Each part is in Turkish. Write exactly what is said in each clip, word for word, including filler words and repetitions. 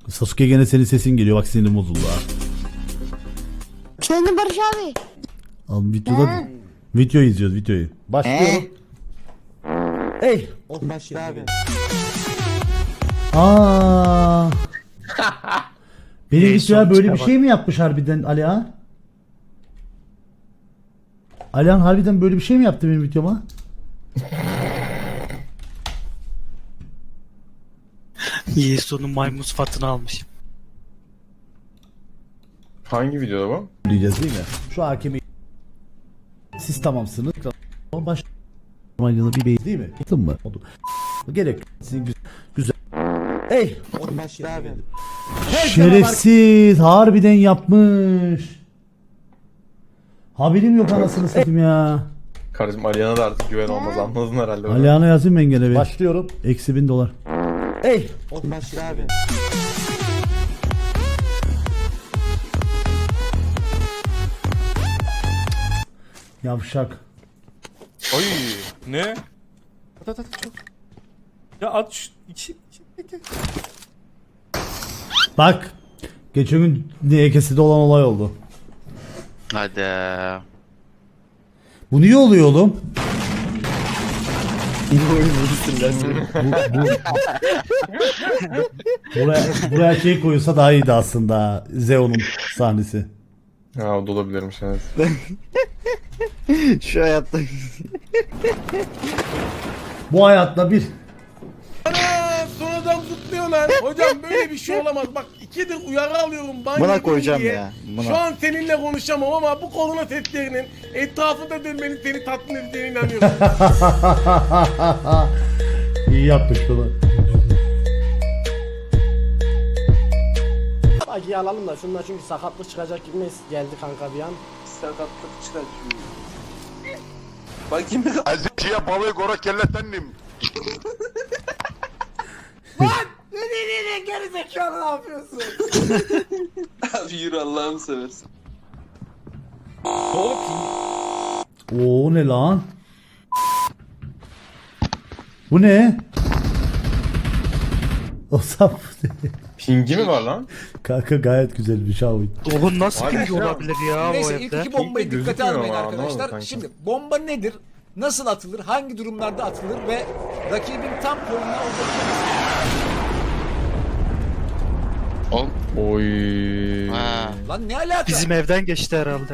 Sasuke gene senin sesin geliyor. Bak sinirim bozuldu ha. Efendim Barış abi. Al videoda video izliyoruz videoyu. Başlıyorum. Ey. Başla abi. Aa. Benim Neyse, videoya böyle bir çıkar şey mi yapmış harbiden Alihan? Alihan harbiden böyle bir şey mi yaptı benim videoma? Yesu'nun maymun sıfatını almış. Hangi videoda bu? Diyeceğiz değil mi? Şu hakemi siz tamamsınız. O baş Manya'da bir bey değil mi? Yaptın mı? Oldu. Gerek. Sizin güzel. güzel. Ey. Başla abi. Şerefsiz harbiden yapmış. Haberim yok anasını satayım ya. Kardeşim Aliyan'a da artık güven olmaz, anladın herhalde. bunu. Alihan'a yazayım ben gene bir. Başlıyorum. Eksi bin dolar. Ey. Başla abi. Yavşak. Oy ne? At at at çok. Ya at şu iki. iki- Bak. Geçen gün D K'de olan olay oldu. Hadi. Bu niye oluyor oğlum? bu, bu, buraya, buraya şey koyulsa daha iyiydi aslında. Zeon'un sahnesi. Ha, o da olabilirmiş evet. Şu hayatta. Bu hayatta bir. Ana sonradan kutluyorlar. Hocam böyle bir şey olamaz. Bak ikidir uyarı alıyorum. Ban Buna yedin koyacağım diye. ya, buna. Şu an seninle konuşamam ama bu korona testlerinin etrafında dönmenin seni tatmin edeceğine inanıyorum. İyi yapmış bunu. Acıyı alalım da şundan çünkü sakatlık çıkacak gibi geldi kanka bir an. Sakatlık çıkartıyor. Bakayım bir Azıcıya balığı gora kellettendim. Abi yürü Allah'ını seversen. Oo ne lan? Bu ne? O sap. Pingi mi var lan? Kanka gayet güzel bir şey abi. Oğlum nasıl Abi, pingi şey olabilir ya Neyse o ilk evde? iki bombayı Pink de dikkate gözükmüyor almayın ama, arkadaşlar. anlamadım kanka. Şimdi bomba nedir? Nasıl atılır? Hangi durumlarda atılır ve rakibin tam koluna Oğlum. Oy. Ha. Lan ne alaka? Bizim evden geçti herhalde.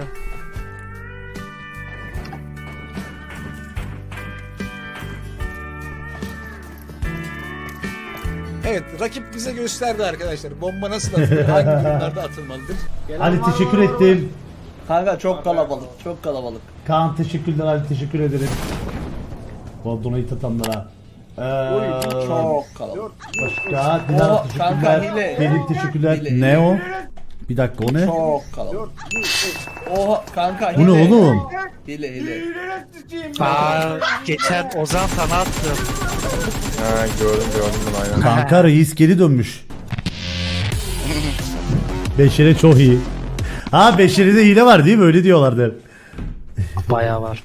Evet, rakip bize gösterdi arkadaşlar. Bomba nasıl atılır? Hangi durumlarda atılmalıdır? Ali teşekkür ettim. Kanka çok kalabalık, çok kalabalık. Kaan teşekkürler Ali teşekkür ederim. Bu donayı tatanlara. Ee, Çok kalabalık. Başka Dilara O, kanka, teşekkürler. hile. Pelin teşekkürler. Hile, Ne o? Bir dakika o ne? Çok kalabalık. Oha kanka Bu ne oğlum? Hile hile. Aa, geçen Ozan sana attım. Ha, gördüm gördüm bunu aynen. Kanka reis geri dönmüş. Beşere çok iyi. Ha Beşere'de hile var değil mi? Öyle diyorlardı. Bayağı var.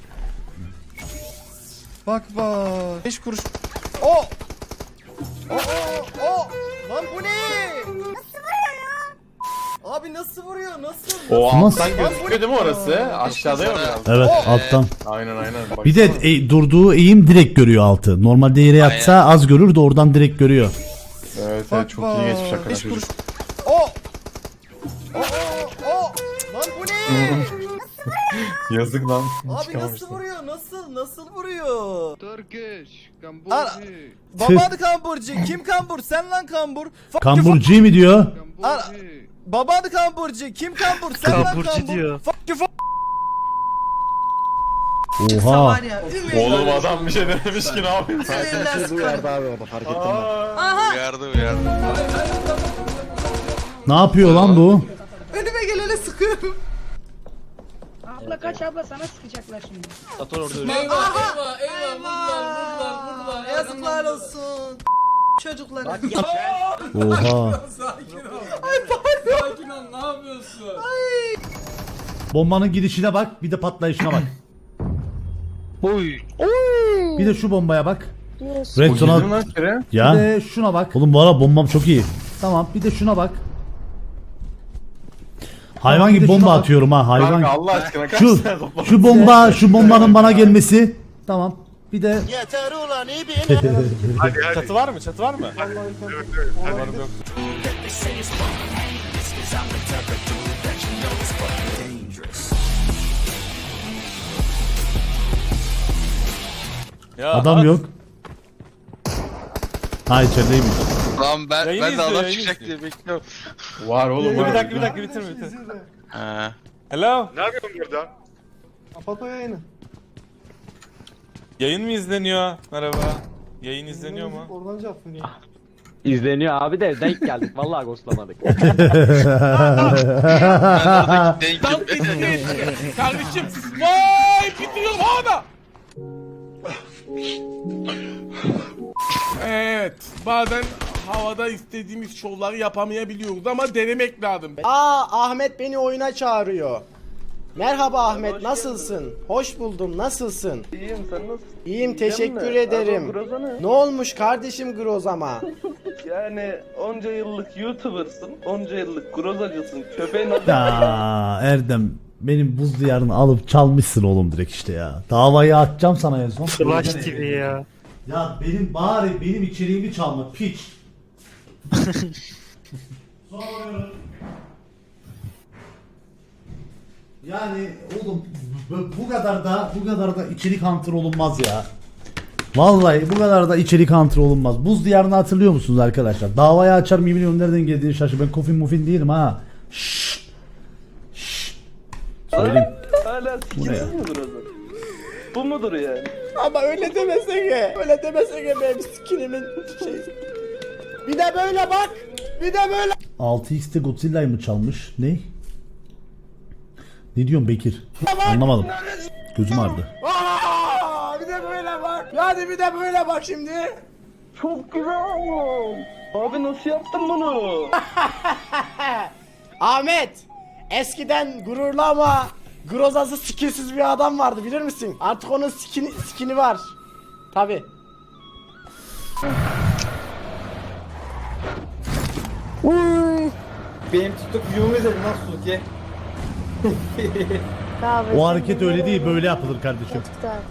Bak bak. beş kuruş. O! O! O! O! Lan bu ne? Nasıl vuruyor ya? Abi nasıl vuruyor? Nasıl? O Nasıl? alttan gözüküyor değil mi orası? Aşağıda ya biraz. Evet alttan. Aynen aynen. Bak. Bir de e, durduğu eğim direkt görüyor altı. Normalde yere yatsa az görür de oradan direkt görüyor. Evet evet çok iyi geçmiş hakikaten beş çocuk. kuruş. O! O! O! O! Lan bu ne? Yazık lan. Abi Çıkamamışlar. nasıl vuruyor? Nasıl? Nasıl vuruyor? Turkish, Ara- Baban kamburcu. Kim kambur? Sen lan kambur. Fuck you, Kamburcu mi diyor? Ara- Baban kamburcu. Kim kambur? Sen lan Kamburcu kambur. diyor. Fuck you, fuck. Oha. Oğlum adam bir şey dememiş ki ne yapayım? Şey duyardı abi orada fark ettim ben. Uyardı uyardı. Ne yapıyor lan bu? Önüme gelene sıkıyorum. Abla kaç abla sana sıkacaklar şimdi. Eyvah eyvah eyvah. Yazıklar olsun. Çocuklar. Oha. Sakin ol ne yapıyorsun? Bombanın gidişine bak, bir de patlayışına bak. Oy. Bir de şu bombaya bak. Diyorsun. Red O girdi mi zone'a lan içeri? ya. Bir de şuna bak. Oğlum bu ara bombam çok iyi. Tamam bir de şuna bak. Hayvan gibi bomba atıyorum ha hayvan. Kanka Allah aşkına kaç Şu tane toplam? şu bomba şu bombanın bana gelmesi. Tamam. Bir de Yeter ulan iyi bir Çatı var mı? Çatı var mı? Umarım yok. Ya adam at. yok. Ha içerideymiş. Lan ben, Yayını ben de izliyor, adam yayını çıkacak izliyor. diye bekliyorum. Var oğlum Bir var. dakika bir dakika bitirme bitir. Ha. Hello. Ne yapıyorsun burada? Kapat o yayını. Yayın mı izleniyor? Merhaba. Yayın izleniyor mu? Oradan cevap veriyor. İzleniyor abi de denk geldik. Vallahi ghostlamadık. Ben oradaki denk Kardeşim. Vay bitiriyorum havada. Evet. Bazen havada istediğimiz şovları yapamayabiliyoruz ama denemek lazım. Aa Ahmet beni oyuna çağırıyor. Merhaba Ahmet nasılsın? Hoş buldum nasılsın? İyiyim sen nasılsın? İyiyim teşekkür ederim. Ne olmuş kardeşim Grozama? Yani onca yıllık YouTuber'sın, onca yıllık grozacısın, köpeğin adı... Ya Erdem benim buz diyarını alıp çalmışsın oğlum direkt işte ya. Davayı atacağım sana en son. Flash T V ya. Ya benim bari benim içeriğimi çalma piç. Soruyorum. Yani oğlum bu- bu kadar da bu kadar da içerik hunter olunmaz ya. Vallahi bu kadar da içerik hunter olunmaz. Buz diyarını hatırlıyor musunuz arkadaşlar? Davayı açar mı bilmiyorum nereden geldiğini şaşır. Ben kofin mufin değilim ha. Şşş. Şşş. Söyleyeyim. Hala Bu ne ya? sikiniz mi groza? Bu mudur yani? Ama öyle demesene. Öyle demesene benim skinimin şey. Bir de böyle bak. Bir de böyle. altı x'te Godzilla'yı mı çalmış? Ne? Ne diyorsun Bekir? Anlamadım. Gözüm ağrıdı. Aa, bir de böyle bak. Hadi bir de böyle bak şimdi. Çok güzel oğlum. Abi nasıl yaptın bunu? Ahmet. Eskiden gururlu ama grozası skinsiz bir adam vardı bilir misin? Artık onun skini, skini var. Tabi. Benim TikTok videomu izledin nasıl Suki? O hareket öyle değil böyle yapılır kardeşim.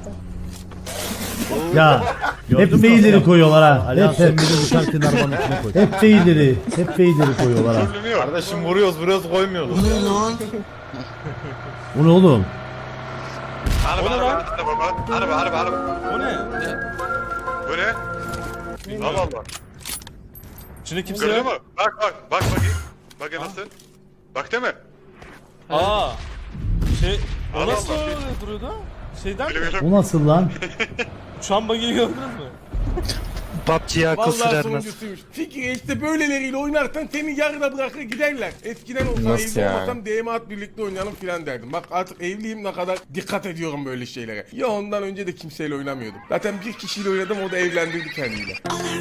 Ya hep failleri koyuyorlar ha. Hep hep uçarken arabanın içine koy. Hep failleri, hep failleri koyuyorlar ha. Kardeşim vuruyoruz vuruyoruz koymuyoruz. Bu ne oğlum? Araba O ne lan? araba araba araba araba. O ne? Bu ne? Allah Allah. İçinde kimse yok. mu? Bak bak bak bakayım. Bak nasıl? Bak değil mi? Aa. Şey, o Allah nasıl Allah. öyle duruyordu? Şeyden mi? Bu nasıl lan? Uçan bagiyi gördünüz mü? P U B G'ye akıl Vallahi sürermez. sonuncusuymuş. Fikri işte böyleleriyle oynarsan seni yarıda bırakır giderler. Eskiden olsam Nasıl evli yani? olmasam D M A at birlikte oynayalım filan derdim. Bak artık evliyim ne kadar dikkat ediyorum böyle şeylere. Ya ondan önce de kimseyle oynamıyordum. Zaten bir kişiyle oynadım o da evlendirdi kendiyle.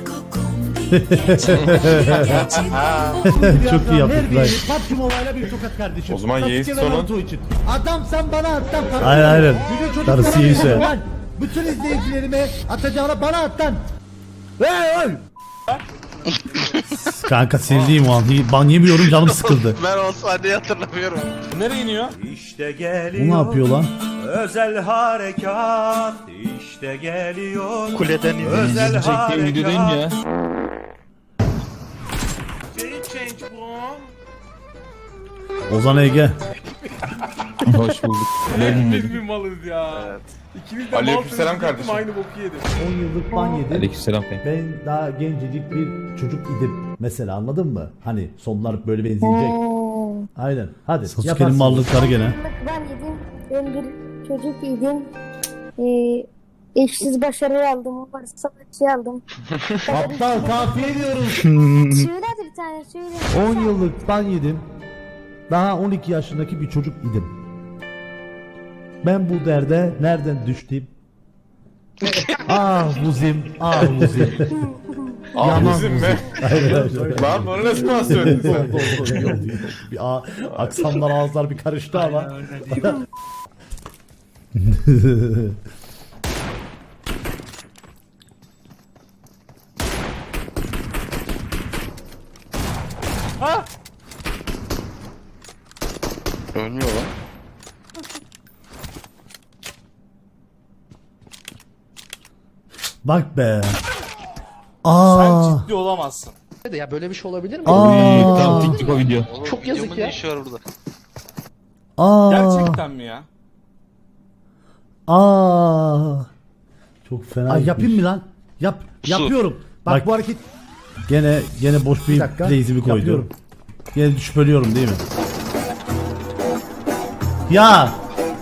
Çok iyi yaptık lan. P U B G Mobile'a bir tokat kardeşim. O zaman Yeğiz sonu. Adam sen bana at lan. Aynen aynen. Darısı iyiyse. Bütün izleyicilerime atacağına bana at lan. Hey hey. Kanka sinirliyim o an. Ban yemiyorum canım sıkıldı. Ben o sahneyi hatırlamıyorum. Nereye iniyor? İşte Bu geliyor. ne yapıyor lan? Özel harekat. İşte geliyor. Kuleden iniyor. Özel harekat. ya. Very change bro. Ozan Ege. Hoş bulduk. Biz mi malız ya? Evet. İkimiz de Aleykümselam malsınız, kardeşim. aynı boku yedim. on yıllık ban yedim. Aleykümselam. Ben daha gencecik bir çocuk idim. Mesela anladın mı? Hani sonlar böyle benzeyecek. Aynen. Hadi. Sasuke'nin mallıkları gene. Ben yedim. Ben bir çocuk idim. Ee, eşsiz başarı aldım. Varsa şey aldım. Aptal kafiye diyorum. Söyle hadi bir tane söyle. on yıllık ban yedim. Daha on iki yaşındaki bir çocuk idim. Ben bu derde nereden düştüm? ah buzim, ah buzim. Ah Yaman bizim mi? Aynen aynen. Lan bunu ne zaman söyledin sen? Oldu, oldu, iyi oldu, iyi oldu. Bir a- aksanlar ağızlar bir karıştı ama. Bak be. Sen Aa. ciddi olamazsın. Ya böyle bir şey olabilir mi? Aa. Oğlum, Çok yazık videomun ya. ne işi var burada? Aa. Gerçekten mi ya? Aa. Çok fena. Ay yapayım mı lan? Yap. Su. Yapıyorum. Bak, bu hareket gene gene boş bir, bir playsimi koydu. Yapıyorum. Gene düşüp ölüyorum değil mi? Ya.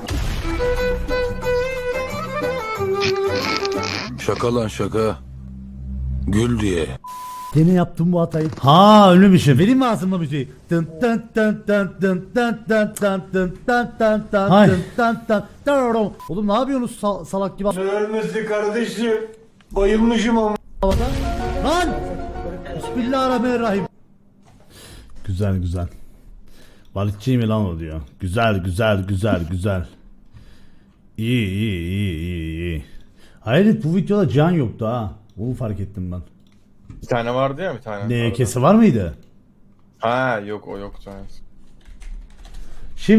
Şaka lan şaka. Gül diye. Gene yaptım bu hatayı. Ha ölmüşüm. Vereyim mi ağzımla müziği? Dın dın dın dın dın dın dın dın dın dın dın dın dın dın dın dın. Oğlum ne yapıyorsunuz sal- salak gibi? Ölmesi kardeşim. Bayılmışım ama. Lan! Bismillahirrahmanirrahim. Güzel güzel. Balıkçı mı lan o diyor. Güzel güzel güzel güzel. İyi iyi iyi iyi iyi. Hayret bu videoda can yoktu ha. Onu fark ettim ben. Bir tane vardı ya bir tane. Ne kesi var mıydı? Ha yok o yoktu. Evet.